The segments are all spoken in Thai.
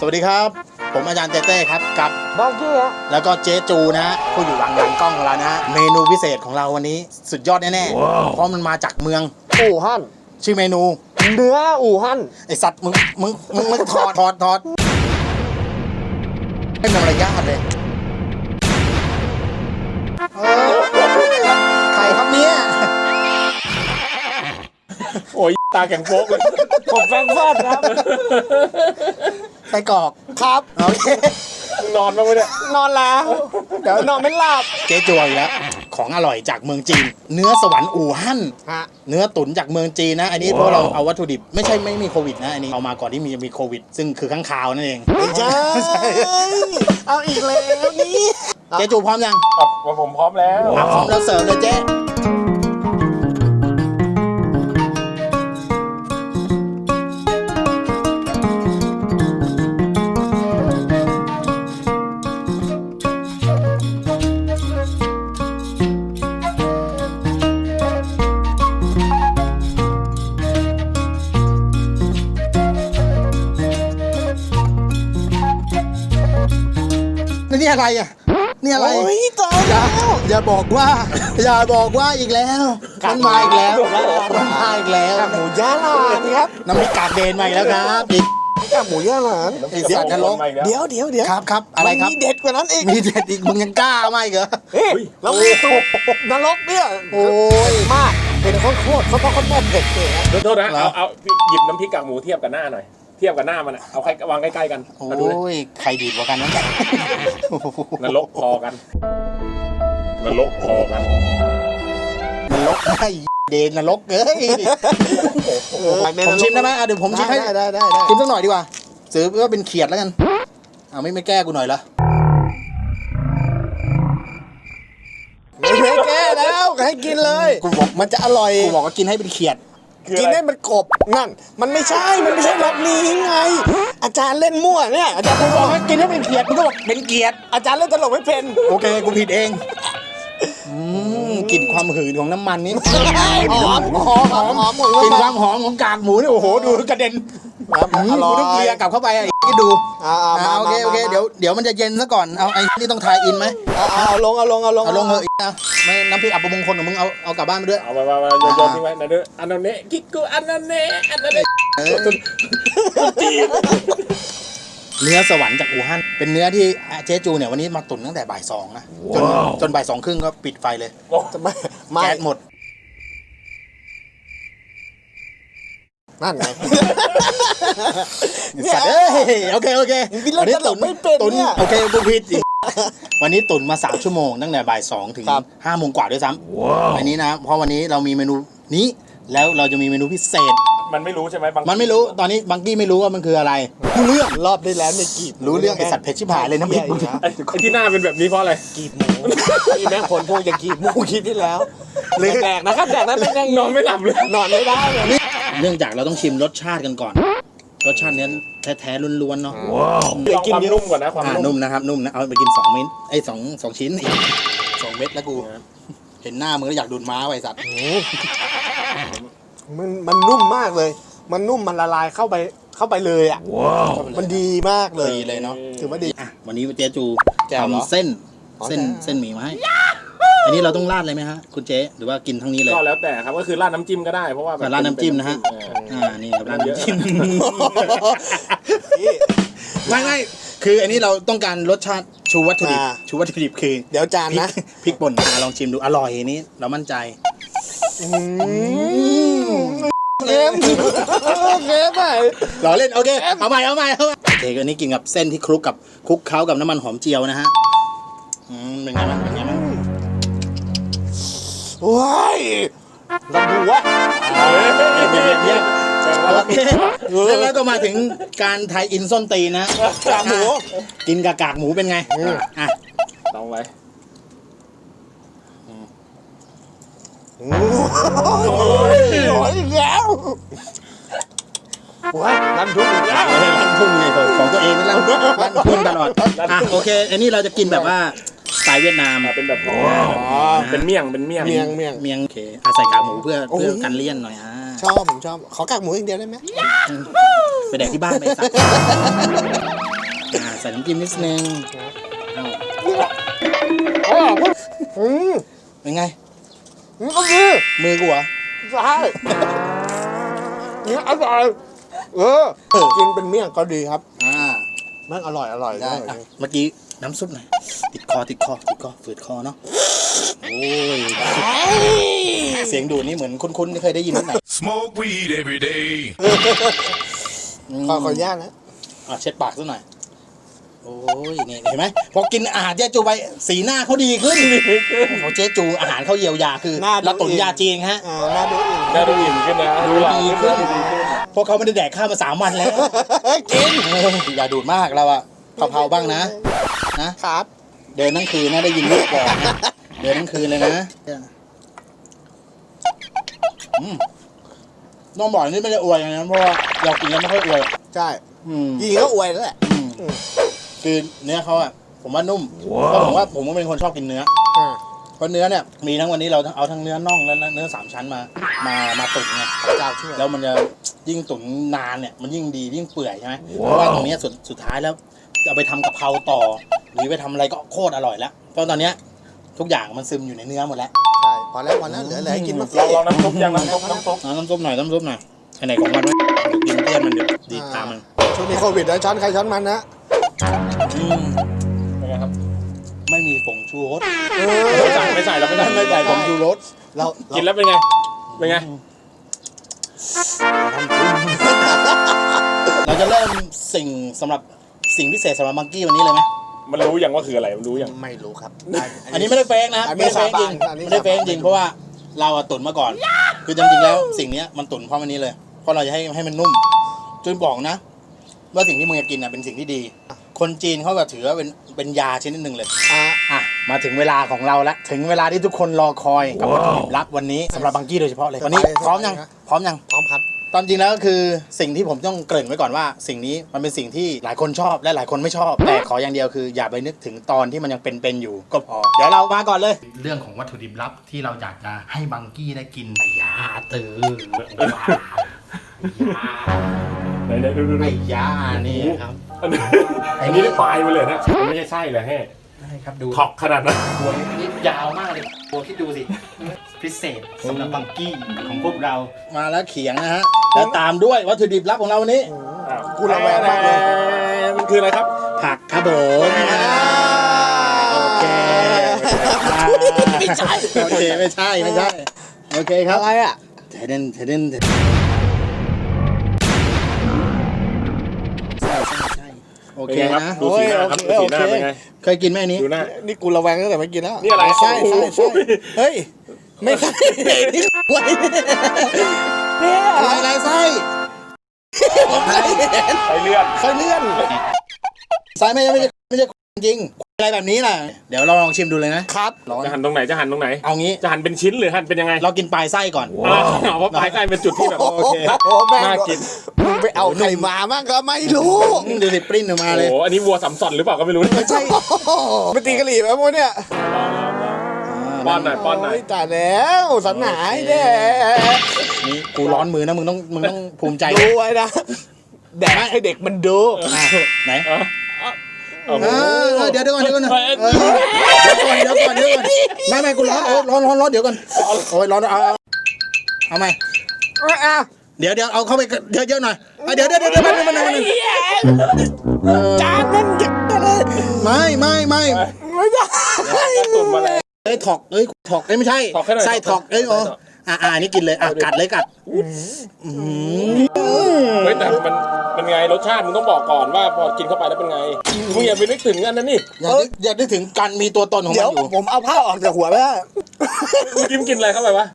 วัสดีครับผมอาจารย์เต้ครับกับบ้าจี้ฮะแล้วก็เจ๊จูนะฮะผู้อยู่หลังกล้องของเรานะฮะเมนูพิเศษของเราวันนี้สุดยอดแน่ๆเพราะมันมาจากเมืองอู่ฮั่นชื่อเมนูเนื้ออู่ฮั่นไอสัตว์มึงถอดให้มันมารยาทเลยใครครับเนี่ยโอ้ยตาแข็งโป๊กเลยผมแฟรงก์เฟิร์ตครับไส้กรอกครับโอเคนอนบ้างไหมเนี่ยนอนแล้วเดี๋ยวนอนไม่หลับเจ๊จูอีกแล้วของอร่อยจากเมืองจีนเนื้อสวรรค์อู่ฮั่นฮะเนื้อตุ๋นจากเมืองจีนนะอันนี้เพราะเราเอาวัตถุดิบไม่มีโควิดนะอันนี้เอามาก่อนที่มีโควิดซึ่งคือข้างคาวนั่นเองไม่ใช่เอาอีกแล้วนี่เจ๊จูพร้อมยังว่าผมพร้อมแล้วพร้อมแล้วเสิร์ฟเลยเจ๊นี่อะไรอ่ะนี่อะไรอย่าบอกว่าอีกแล้วมันมาอีกแล้วกากหมูย่าหลานครับน้ำพริกกากเดนมาอีกแล้วครับอีกกากหมูย่าหลานไอ้สัตว์นรกเดี๋ยวครับอะไรครับมีเด็ดกว่านั้นอีกมีเด็ดอีกมึงยังกล้ามาอีกเหรอแล้วมีตุกนรกเนี่ยโอ้ยมากเป็นโคตรเขาต้องเผ็ดเลยนะโทษนะเอาหยิบน้ำพริกกากหมูเทียบกับหน้าหน่อยเทียบกับหน้ามันเอาวางใกล้ๆกันโอ้ยใครดีกว่ากันนั่นนรกพอกันไอ้เดนนรกเอ้ยผมชิมได้ไหมเดี๋ยวผมชิมให้ได้ชิมสักหน่อยดีกว่าซื้อว่าเป็นเขียดแล้วกันไม่แก้กูหน่อยละไม่แก้แล้วให้กินเลยกูบอกมันจะอร่อยกูบอกว่ากินให้เป็นเขียดกินให้มันกบนั่นมันไม่ใช่รสนี้ไงอาจารย์เล่นมั่วเนี่ยอาจารย์บอกให้กินให้เป็นเขียดมึงก็บอกเป็นเกียดอาจารย์เล่นตลกไม่เป็นโอเคกูผิดเองกลิ่นความหืนของน้ำมันนี่หอมกลิ่นความหอมของกากหมูนี่โอ้โหดูกระเด็นกูต้องเคลียร์กลับเข้าไปไอ้ดูโอเคเดี๋ยวมันจะเย็นซะก่อนเอาไอ้นี่ต้องทายอินไหมเอาลงเหอะนะไม่น้ำพริกอับประมงคลของมึงเอากลับบ้านไปด้วยเอามาโยนทิ้งไว้นะด้วยอันนั้นเนะกิ๊กกูอันนั้นเนะเนื้อสวรรค์จากอู่ฮั่นเป็นเนื้อที่เจ๊จูเนี่ยวันนี้มาตุ๋นตั้งแต่บ่าย 2นะจนบ่าย 2 ครึ่งก็ปิดไฟเลยแก๊สหมดนั่นไงสัตว์โอเควันนี้ตุ๋นไม่เป็นเนี่ยโอเคกูผิดอีกวันนี้ตุ๋นมา3 ชั่วโมงตั้งแต่บ่าย 2 ถึง 5 โมงกว่าด้วยซ้ำอันนี้นะเพราะวันนี้เรามีเมนูนี้แล้วเราจะมีเมนูพิเศษมันไม่รู้ใช่ไหมมันไม่รู้ตอนนี้บังกี้ไม่รู้ว่ามันคืออะไรรู้เรื่องรอบได้แล้วเนี่ยกีบรู้เรื่องไอสัตว์เพชรชิบหายเลยนะพี่ไอ้ที่หน้าเป็นแบบนี้เพราะอะไรกีบหมูนี่แม่คนพวกจะกีบหมูคิดที่แล้วแดกนะครับแดกนั้นเป็นยังนอนไม่หลับเลยนอนไม่ได้เลยเนื่องจากเราต้องชิมรสชาติกันก่อนรสชาตินี้แท้ๆล้วนๆเนาะกินนุ่มก่อนนะความนุ่มนะครับนุ่มนะเอาไปกิน2 เม็ด2 ชิ้น2 เม็ดแล้วกูเห็นหน้ามึงแล้วอยากดูดม้าไว้สัตว์มันนุ่มมากเลยมันนุ่มมันละลายเข้าไปเลยอ่ะมันดีมากเลยดีเลยเนาะถือว่าดีวันนี้เจ๊จูทำเส้นหมี่มาให้อันนี้เราต้องราดเลยไหมฮะคุณเจ๊หรือว่ากินทั้งนี้เลยก็แล้วแต่ครับก็คือราดน้ำจิ้มก็ได้เพราะว่าราดน้ำจิ้มนะฮะนี่ครับราดน้ำจิ้มไม่คืออันนี้เราต้องการรสชาติชูวัตถุดิบคือเดี๋ยวจานนะพริกป่นลองชิมดูอร่อยนี้เรามั่นใจเกมไปหล่อเล่นโอเคเอาใหม่โอเคอันนี้กินกับเส้นที่คลุกเคล้ากับน้ำมันหอมเจียวนะฮะเป็นไงมั้งว้ายลำดูวะเยี่ยมแล้วก็มาถึงการไทยอินส้นตีนะกากหมูกินกับกากหมูเป็นไงลองไว้โอ้ยอีกแล้วลั่นทุ่งอีกแล้วลั่นทุ่งไงของตัวเองนั่นลั่นทุ่งตลอดโอเคอันนี้เราจะกินแบบว่าสไตล์เวียดนามเป็นแบบเป็นเมี่ยงโอเคใส่กากหมูเพื่อกันเลี่ยนหน่อยผมชอบขอกากหมูอย่างเดียวได้ไหมไปแดกที่บ้านไปสักใส่น้ำจิ้มนิดนึงเอา เป็นไงนี่ก็ดีมือกูเหรอใช่นี่อร่อยกินเป็นเมี่ยงก็ดีครับ แม่งอร่อยได้อ่ะเมื่อกี้น้ำซุปหน่อยติดคอฝืดคอเนาะโอ้ยเสียงดูดนี่เหมือนคุ้นๆที่เคยได้ยินที่ไหน Smoke weed every day. ขออนุญาตนะเช็ดปากซะหน่อยโอ้ยนี่เห็นไหมพอกินอาหารเจ๊จูไปสีหน้าเขาดีขึ้นพอเจ๊จูอาหารเขาเยียวยาคือเราตุนยาจีนฮะน่าดูอีกน่าดูอิ่มขึ้นนะดูดีขึ้นเพราะเขาไม่ได้แดกข้าวมา3 วันแล้วกินอย่าดูดมากเราอะเผาๆบ้างนะครับ เดินทั้งคืนนะได้ยินลูกบอกนะเดินทั้งคืนเลยนะน้องบอกนี่ไม่ได้อวยนะเพราะว่าเรากินแล้วไม่ค่อยอวยใช่ยิงก็อวยแล้วแหละคือเนื้อเขาอะผมว่านุ่มเพราะผมก็เป็นคนชอบกินเนื้อเพราะเนื้อเนี่ยมีทั้งวันนี้เราเอาทั้งเนื้อน่องและเนื้อ3 ชั้นมาตุ๋นไงเจ้าช่วยแล้วมันจะยิ่งตุ๋นนานเนี่ยมันยิ่งดียิ่งเปื่อยใช่ไหมเพราะว่าตรงนี้สุดท้ายแล้วจะเอาไปทำกะเพราต่อหรือไปทำอะไรก็โคตรอร่อยแล้วเพราะตอนเนี้ยทุกอย่างมันซึมอยู่ในเนื้อหมดแล้วใช่พอแล้วเหลือให้กินมาสิลองน้ำซุปยังน้ำซุปน้ำซุปหน่อยอันไหนของมันไว้เดี๋ยวกินเพื่อนมันเดี๋ยวดีตามมันช่วงนี้โควิดนะช้อนใครช้อนมันนะเป็นไงครับไม่มีผงชูรสไม่ใส่เราไม่ใส่ไม่ใส่ผงชูรสเรากินแล้วเป็นไงเป็นไงเราจะเริ่มสำหรับสิ่งพิเศษสำหรับมังกี้วันนี้เลยไหมมันรู้ยังว่าคืออะไรมันรู้ยังไม่รู้ครับอันนี้ไม่ได้เฟกนะครับอันนี้ไม่ได้เฟกจริงอันนี้ไม่ได้เฟกจริงเพราะว่าเราอะตุ๋นมาก่อน คือจริงๆแล้วสิ่งเนี้ยมันตุ๋นเพราะมันนี้เลยเพราะเราจะให้มันนุ่มจนบอกนะ ว่าสิ่งที่มึงจะกินเป็นสิ่งที่ดี คนจีนเขาก็ถือว่าเป็นยาชนิดหนึ่งเลยมาถึงเวลาของเราแล้วถึงเวลาที่ทุกคนรอคอยกับวัตถุดิบลับวันนี้สำหรับบังกี้โดยเฉพาะเลยวันนี้พร้อมยังพร้อมครับตอนจริงแล้วก็คือสิ่งที่ผมต้องเกริ่นไว้ก่อนว่า สิ่งนี้มันเป็นสิ่งที่หลายคนชอบและหลายคนไม่ชอบแต่ขออย่างเดียวคืออย่าไปนึกถึงตอนที่มันยังเป็นอยู่ก็พอเดี๋ยวเรามาก่อนเลย เรื่องของวัตถุดิบลับที่เราอยากจะให้บังกี้ได้กินไอ้ยาตือไอ้ยาไหนดูไอ้ยานี่ครับอันนี้ได้ปลายมาเลยนะมันไม่ใช่ไส้เลยแฮ่ได้ครับดูท็อกขนาดนั้นหัวนี่ยาวมากเลยหัวคิดดูสิพิเศษสำหรับบังกี้ของพวกเรามาแล้วเขียงนะฮะแล้วตามด้วยวัตถุดิบลับของเราวันนี้กูระแวงมากเลยมันคืออะไรครับผักครับผมโอเคไม่ใช่โอเคไม่ใช่โอเคครับอะไรอ่ะเทเดนใช่โอเคนะดูสีหน้าครับดูสีหน้าเป็นไงเคยกินไหมอันนี้ดูหน้านี่กูระแวงตั้งแต่ไม่กินแล้วนี่อะไรใช่เฮ้ยไม่ใช่นี่กล้วยเนี่ยอะไรไส้ผมเคยเห็นไปเลื่อนเคยเลื่อนไส้ไม่ใช่จริงอะไรแบบนี้น่ะเดี๋ยวเราลองชิมดูเลยนะครับ ร้อนจะหั่นตรงไหนจะหั่นตรงไหนเอางี้จะหั่นเป็นชิ้นหรือหั่นเป็นยังไงเรากินปลายไส้ก่อนเพราะปลายไส้เป็นจุดที่แบบโอ้โอเคโหแม่งน่ากินมึงไปเอาใครมามั่งก็ไม่รู้ดูสิปริ้นออกมาโอ้เลยโหอันนี้วัวสัมสอนหรือเปล่าก็ไม่รู้ไม่ใช่ไปตีกะหรี่ไหมพวกเนี่ยป้อนหน่อยป้อนหน่อยโแต่แล้วสันหายแน่นี่กูร้อนมือนะมึงต้องภูมิใจดูไว้นะแดกให้เด็กมันดูไหนโอ้โหเดี๋ยวก่อนไม่กูร้อนร้อนเดี๋ยวก่อนโอ้ยร้อนเอาไหมเดี๋ยวเอาเข้าไปเยอะๆหน่อยเดี๋ยวมันจานนั่นเด็กเลยไม่ไม่ได้ตุ่นมาแล้วถอกไม่ใช่ไส้ถอกนี่กินเลยกัดเลยกัดเฮ้ยแต่มันไงรสชาติมึงต้องบอกก่อนว่าพอกินเข้าไปแล้วเป็นไงมึงอย่าไปนึกถึงอันนั้นนี่อย่านึกถึงการมีตัวตนของมันเดี๋ยวอยู่ผมเอาผ้าออกจากหัวไปแล้วมึงกินอะไรเข้าไปวะ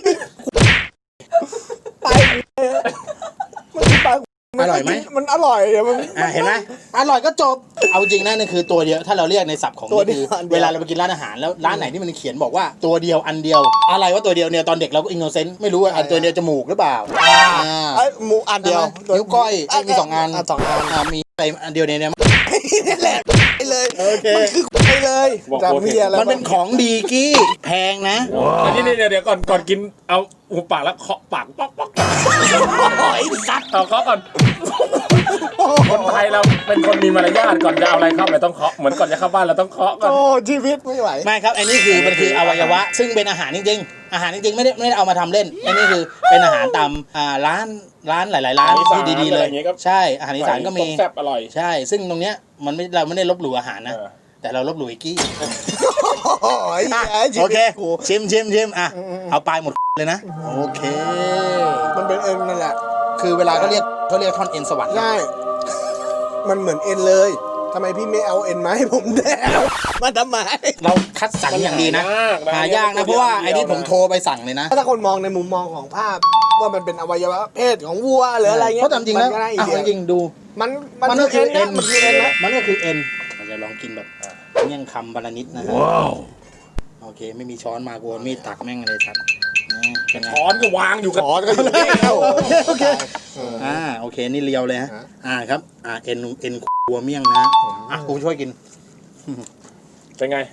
อร่อยไหมมันอร่อยเดี๋ยวมันเห็นไหมอร่อยก็จบเอาจริงนะนี่คือตัวเดียวถ้าเราเรียกในศัพท์ของตัวเดีนี่ยวคือเวลาเราไปกินร้านอาหารแล้วร้านไหนที่มันเขียนบอกว่าตัวเดียวอันเดียวอะไรว่าตัวเดียวเนี่ยตอนเด็กเราก็อินโนเซนต์ไม่รู้ว่าอันตัวเดียวจมูกหรือเปล่าหมูอันเดียวนิ้วก้อยมี2 อัน 2 อันมีอะไรอันเดียวเนี่ยนี่แหละไปเลยโอเคมันคือไปเลยจะมีอะไรมันเป็นของดีกี้แพงนะอันนี้เดี๋ยวก่อนกินเอาหูปากแล้วเคาะปากป๊อกไอ้สัตว์เอาเคาะก่อนโอ้คนไทยเราเป็นคนมีมารยาทก่อนจะเอาอะไรเข้าไปต้องเคาะเหมือนก่อนจะเข้าบ้านเราต้องเคาะก่อนโอ้ชีวิตไม่ไหวไม่ครับอันนี้คือมันคืออวัยวะ ซึ่งเป็นอาหารจริงๆอาหารจริงๆไม่ได้เอามาทำเล่นอันนี้คือเป็นอาหารตามร้านหลายๆร้านที่ดีๆเลยใช่อาหารอีสานก็มีแซ่บอร่อยใช่ซึ่งตรงเนี้ยมันไม่เราไม่ได้ลบหลู่อาหารนะแต่เราลบหลู่ไอ้กี้โอ้ยโอเคชิมอ่ะเอาปลายหมดเลยนะโอเคมันเป็นเอ็นนั่นแหละคือเวลาเขาเรียกท่อนเอ็นสวรรค์ใช่มันเหมือนเอ็นเลยทำไมพี่ไม่เอาเอ็นมาให้ผมแดกมาทำไมเราคัดสรรอย่างดีนะหายากนะเพราะว่าไอ้ที่ผมโทรไปสั่งเลยนะถ้าคนมองในมุมมองของภาพว่ามันเป็นอวัยวะเพศของวัวหรืออะไรเงี้ยเพราะตามจริงแล้วมันก็ได้อีอ่ะเดียจริงๆดูมันก็คือเอ็นมันคือเอ็นนะมันก็คือเอ็นเราจะลองกินแบบเมี่ยงคำบาลานิดนะฮะโอเคไม่มีช้อนมากูเอามีดตักแม่งเลยครับเป็นไงช้อนก็วางอยู่กับขอก็อยู่แล้วโอเคโอเคนี่เรียวเลยฮะครับเอ็นวัวเมี่ยงนะกูช่วยกินเป็นไง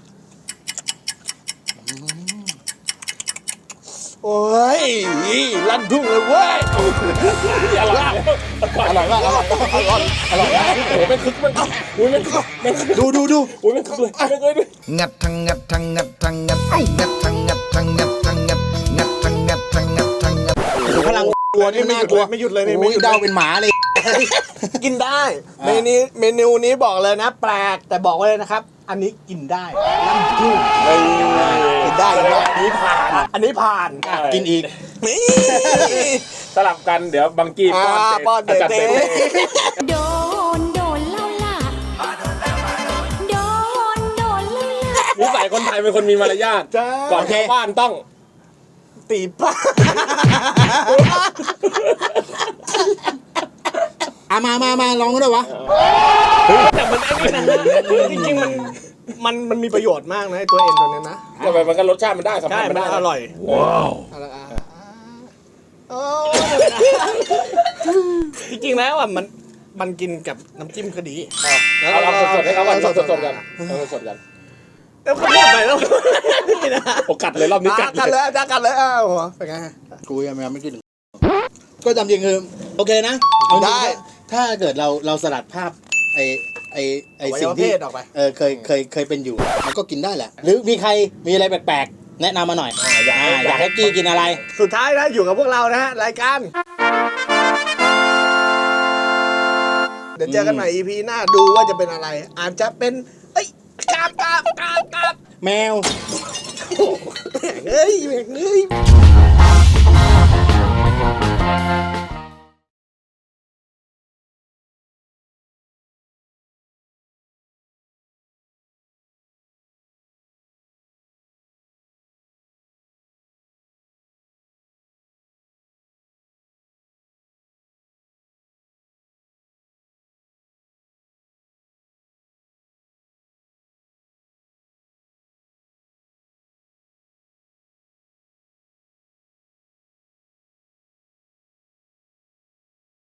โอ้ยลั่นทุ่งเลยเว้ยอร่อยอร่อยมากอร่อยอร่อยโอ้เป็นคึกมันอุ้ยมันดูอุ้ยมันคึกเลยไม่เคยด้วยงัดทั้งงัดทั้งงัดทั้งงัดงัดทั้งงัดทั้งงัดทั้งงัดงัดทั้งงัดทั้งงัดทั้งงัดดูพลังวัวนี่น่ากลัวไม่หยุดเลยนี่โอ้ไม่ยหยุดเดาเป็นหมาเลยกินได้เมนูนี้บอกเลยนะแปลกแต่บอกไว้เลยนะครับ อันนี้กินได้ลั่นทุ่งกินได้กินได้อันนี้ผ่านอันนี้ผ่านกินอีกนี่สลับกันเดี๋ยวบังกี้ป้อนเตป้อนเตอาจารย์เต้โดนแล้วล่ะโดนแล้วล่ะนิสัยคนไทยเป็นคนมีมารยาทจ้าก่อนเข้าบ้านต้องตีป้ามาลองกันด้วยวะแต่มันไอ้นี่นะจริงๆมันมีประโยชน์มากนะไอ้ตัวเอ็นตัวนี้นะก็แบบมันก็รสชาติมันได้สัมใช่ผัสมัมัน นได้อร่อยว้าวจริงๆแล้วอ่ะมันกินกับน้ำจิ้มก็ดีเอาสดๆให้เขาก่อนสดๆกันสดๆกันแล้วก็พูดไปแล้วนี่นะโอกัดเลยรอบนี้กัดกันเลยกันเลยอ้าวเป็นไงกูยังไม่กินก็จำจริงคือโอเคนะเอาจริงได้ถ้าเกิดเราสลัดภาพไอสิ่งที่อวัยวะเพศออกไปเคยเป็นอยู่มันก็กินได้แหละ หรือมีใครมีอะไรแปลกๆแนะนำมาหน่อยอยากให้กี้กินอะไรสุดท้ายนะอยู่กับพวกเรานะฮะรายการเดี๋ยวเจอกันใหม่ EP หน้าดูว่าจะเป็นอะไร อาจจะเป็นกราบแมวเฮ้ย